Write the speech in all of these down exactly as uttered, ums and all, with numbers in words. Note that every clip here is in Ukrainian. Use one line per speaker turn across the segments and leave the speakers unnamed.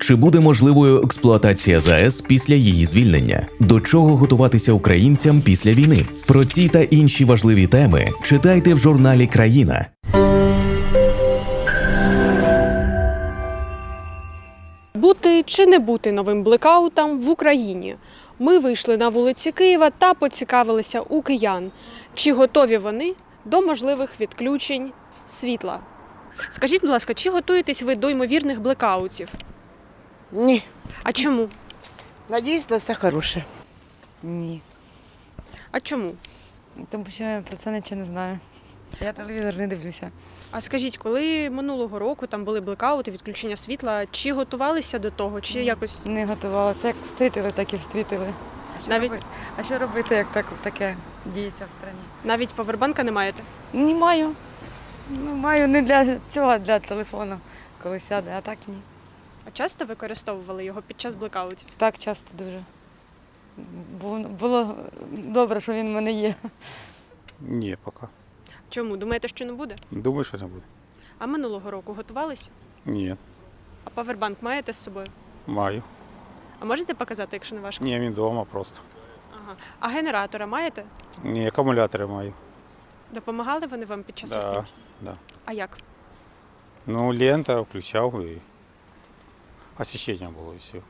Чи буде можливою експлуатація ЗАЕС після її звільнення? До чого готуватися українцям після війни? Про ці та інші важливі теми читайте в журналі «Країна».
Бути чи не бути новим блекаутом в Україні? Ми вийшли на вулиці Києва та поцікавилися у киян, чи готові вони до можливих відключень світла. Скажіть, будь ласка, чи готуєтесь ви до ймовірних блекаутів?
Ні.
А чому?
Надіюсь на все хороше.
Ні.
А чому?
Тому що я про це нічого не знаю. Я телевізор не дивлюся.
А скажіть, коли минулого року там були блекаути, відключення світла, чи готувалися до того, чи якось?
Не готувалася. Як встрітили, так і встрітили. А що,
Навіть-
робити? А що робити, як так, таке діється в країні?
Навіть павербанка не маєте?
Не маю. Ну, маю не для цього, а для телефону, коли сяде, а так ні.
А часто використовували його під час блекаутів?
Так часто дуже. Бу- Було добре, що він в мене є.
Ні, поки.
Чому? Думаєте, що не буде?
Думаю, що не буде.
А минулого року готувалися?
Ні,
А павербанк маєте з собою?
маю.
А можете показати, якщо не важко?
Ні, він вдома просто.
Ага. А генератора маєте?
Ні, акумулятори маю.
Допомагали вони вам під час
Да,
відключень?
да.
А як?
Ну, лента включав і освітлення було і все.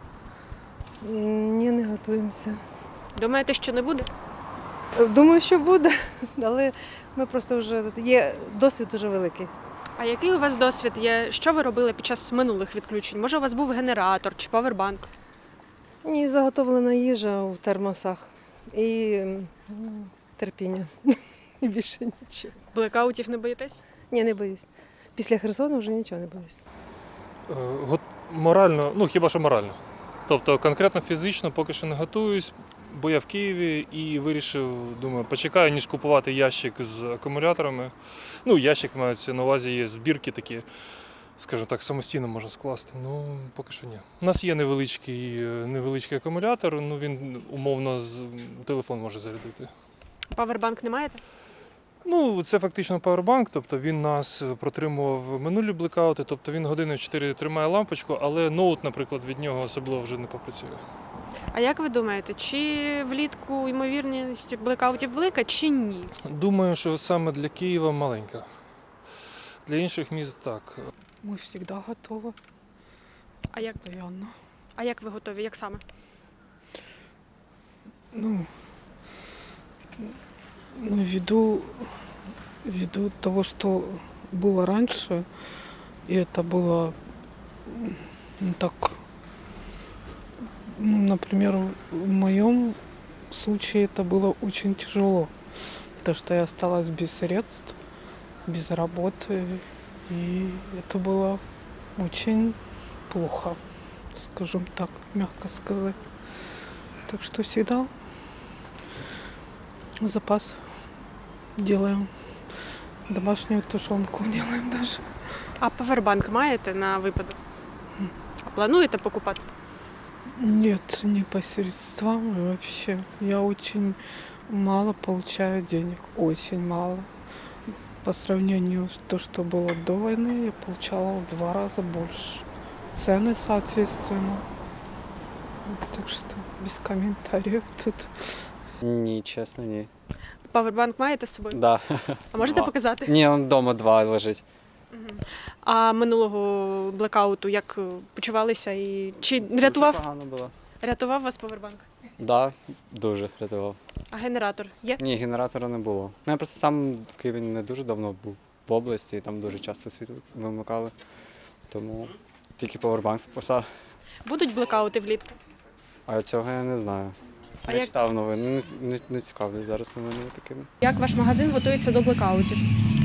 Ні, не готуємося.
Думаєте, що не буде?
Думаю, що буде, але ми просто вже є досвід дуже великий.
А який у вас досвід є? Що ви робили під час минулих відключень? Може, у вас був генератор чи павербанк?
Ні, заготовлена їжа в термосах і м, терпіння. І більше нічого.
Блекаутів не боїтесь?
Ні, не боюсь. Після Херсону вже нічого не боюсь.
Е, го- Морально, ну хіба що морально. Тобто конкретно фізично поки що не готуюсь, бо я в Києві і вирішив, думаю, почекаю, ніж купувати ящик з акумуляторами. Ну, ящик мається на увазі, є збірки такі, скажімо так, самостійно можна скласти. Ну, поки що ні. У нас є невеличкий, е, невеличкий акумулятор, ну він умовно з телефон може зарядити.
Павербанк не маєте?
Ну, це фактично павербанк, тобто він нас протримував минулі блекаути, тобто він години чотири тримає лампочку, але ноут, наприклад, від нього особливо вже не попрацює.
А як ви думаєте, чи влітку ймовірність блекаутів велика, чи ні?
Думаю, що саме для Києва маленька. Для інших міст так.
Мы всегда готовы,
А як,
постоянно.
а як ви готові? Як саме?
Ну, ну ввиду, ввиду того, что было раньше, и это было м, ну, так, ну, например, в моем случае это было очень тяжело, потому что я осталась без средств, без работы, и это было очень плохо, скажем так, мягко сказать. Так что всегда запас делаем. Домашнюю тушенку делаем даже.
А павербанк маєте на випадок? А плануєте покупати?
Нет, не по средствам и вообще. Я очень мало получаю денег, очень мало. По сравнению с то, что было до войны, я получала в два раза больше. Цены, соответственно. Так что без комментариев тут.
Ні, чесно, ні.
Павербанк маєте з собою?
Да.
А можете
Два.
показати?
Ні, он вдома два лежить.
А минулого блекауту як е, почувалися і чи рятував,
Дуже погано було.
рятував вас павербанк?
Да, дуже рятував.
А генератор є?
Ні, генератора не було. Ну, я просто сам в Києві не дуже давно був в області, і там дуже часто світло вимикали. Тому тільки павербанк спасав.
Будуть блекаути влітку?
А цього я не знаю.
А
не
як-
читав новини, не, не, не цікавлюсь зараз новинами такими.
Як ваш магазин готується до блекаутів?